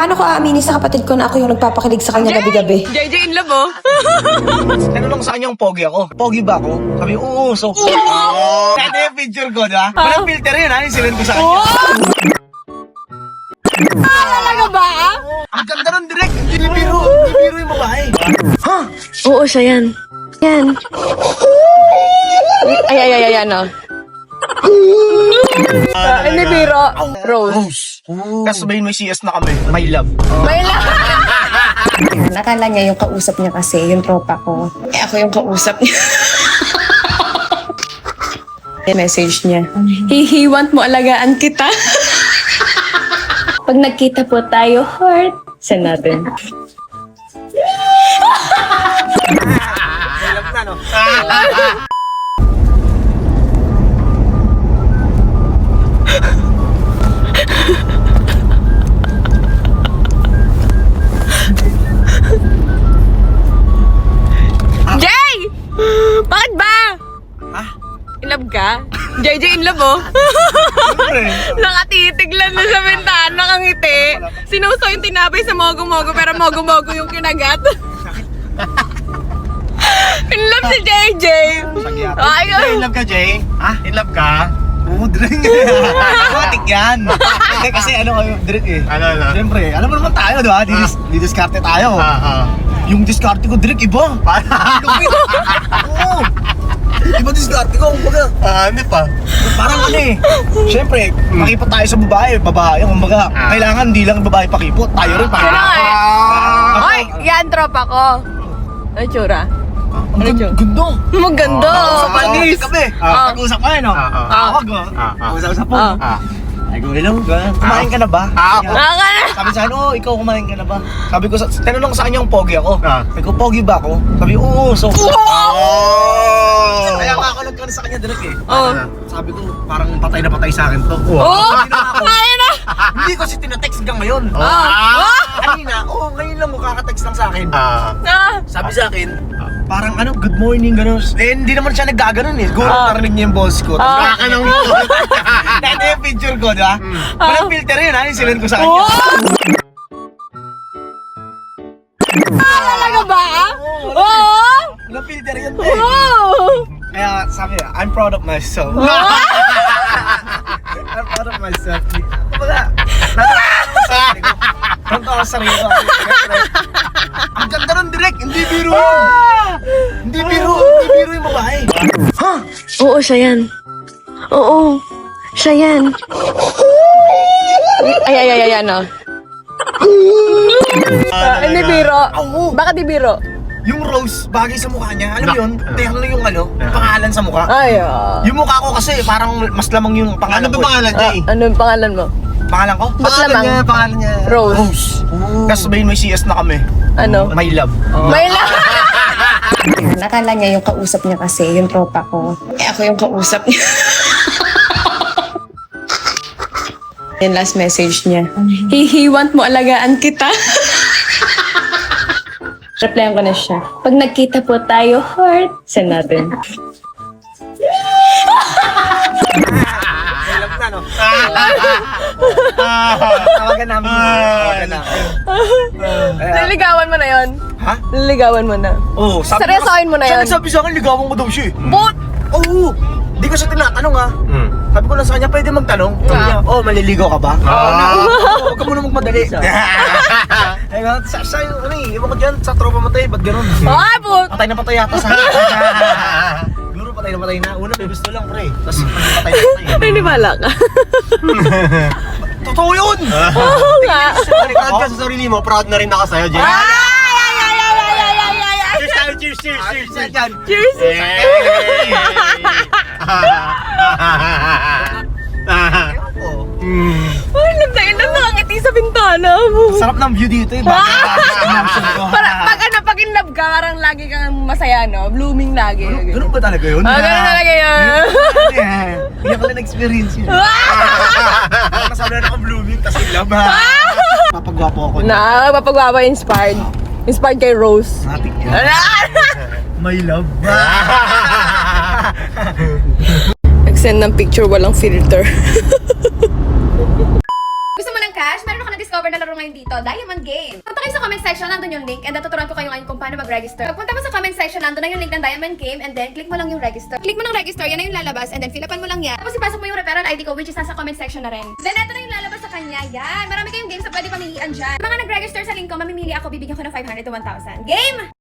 Paano ko aaminin sa kapatid ko na ako yung nagpapakilig sa kanya gabi-gabi? JJ in love, oh. Ano lang sa kanyang pogi ako? Pogi ba ako? Sabi, oo, so. Kaya yung picture ko, diba? Walang filter yun, ha? Yung sinend ko sa kanya. Talaga ba? Ang ganda nun, direct. Hindi biro yung babae. Ha? Oo, siya yan. Yan. Ay, ano? Hindi biro. Rose. Tapos sabihin mo yung CS na kami. My love. May lang. Nakala niya yung kausap niya kasi, yung tropa ko. Eh ako yung kausap niya. Message niya. Hihiwant mo, alagaan kita. Pag nagkita po tayo, heart. Send natin. My love na, no? Jay! Bakit ba? Ha? In love ka? JJ in love, oh. Siyempre. Nakatitig lang na sa bintana kang ngiti. Sinuso yung tinapay sa mogo-mogo pero mogo-mogo yung kinagat. In love si JJ. Sagyat. Ayun. In love ka, Jay? Ha? In love ka? Oo, direct. Matik yan. Hindi, kasi ano kayo, direct eh. Ano? Siyempre, alam mo naman tayo, diba? Didiskarte tayo. Yung diskarte ko, direct, iba. Oo. Iba diskarte ko, kumbaga. Hindi pa. Parang ano eh. Siyempre, makipot tayo sa babae, kumbaga. Kailangan hindi lang babae pakipot. Tayo rin pakipot. Sino nga eh? Ay, yan tropa ko. Ano tsura? Ang ganda. Maganda. Panis. Pag-usap ka, no? Tawag, Pag-usap po. Ay, go, hello. Kumain ka na ba? Sabi sa ano, ikaw kumain ka na ba? Sabi ko, tinanong sa kanya yung pogi ako. Sabi ko, pogi ba ako? Sabi, oo, so. Kaya nga ako nagkaroon sa kanya direct eh. Sabi ko, parang patay na patay sa akin to. Ayun na. Hindi ko si tinatext hanggang ngayon. Kanina, ngayon lang mo kakatext lang sa akin. Sabi sa akin, parang ano, good morning, gano'n. Eh, hindi naman siya naggaganon eh. Siguro narinig niya yung boss ko. Tapos ng dati yung picture ko, diba? Walang filter yun, ha? Yung sinend ko sa kanya. Talaga ba? Oo. Walang filter yun, eh. Kaya sabi niya, I'm proud of myself. I'm proud of myself. Kumbaga, natuwa ako sa sarili ko. Ang ganda nun, direct. Hindi biro yun. Hindi biro yung babae. Ha? Oo, siya yan. Oo. Siya yan. Ay, ano? Hindi biro. Bakit di biro? Yung rose, bagay sa mukha niya. Alam mo yun? Tingnan lang yung ano, yung pangalan sa mukha. Ay, Yung mukha ko kasi parang mas lamang yung pangalan ko. Ano ba pangalan niya eh? ano yung pangalan mo? Pangalan ko? Ba't lamang? Pangalan niya. Rose. Tapos sabihin mo yung CS na kami. Ano? My love. May lang. Nakala niya yung kausap niya kasi, yung tropa ko. Eh ako yung kausap niya. Yung last message niya. Hihiwant mo, alagaan kita. Replyan ko na siya. Pag nagkita po tayo, heart. Send natin. My love na, no? Tawagan namin. Niligawan mo na yon? Ha? Niligawan mo na. Oo. Seryosohin mo na yun? Sabi sa akin, ligawan ko daw siya eh. But, Oo. Di ko siya tinatanong ha. Sabi ko lang sa kanya, pwede magtanong. Sabi niya, maliligaw ka ba? Huwag ka muna magmadali. Kaya sa yung ano eh, iwan ko dyan, sa tropa matay, ba't ganun? ay, but. Patay na patay yata sa akin. Siguro patay na. Una may gusto lang pre. Tapos patay na patay. Nanibala ka. Totoo yun! Oo nga. Proud ka sa sarili mo, proud na rin ako sa'yo, Jen. Cheers! Cheers! Ay, nagdain lang nakangiti sa bintana mo. Sarap ng view dito eh. Pag in love ka, parang lagi kang masaya, no? Blooming lagi. Ganun ba talaga yun? Ganun talaga yun. Hindi ako lang experience yun. Masabi na akong blooming, tas in love ha. Papagwapo ako. Papagwapa inspired. Inspired kay Rose. Matik yan. My love. Nag-send ng picture, walang filter. Gusto mo ng Cash, meron ako na-discover na laro ngayon dito, Diamond Game. Punta kayo sa comment section, nandun yung link, and tuturuan ko kayo ngayon kung paano mag-register. Pagpunta mo sa comment section, nandun na yung link ng Diamond Game, and then click mo lang yung register. Click mo ng register, yan na yung lalabas, and then fill upan mo lang yan. Tapos ipasok mo yung referral ID ko, which is nasa comment section na rin. Then eto na yung lalabas sa kanya, yan. Marami kayong games na pwede pamilian dyan. Mga nag-register sa link ko, mamimili ako, bibigyan ko ng 500 to 1,000. Game!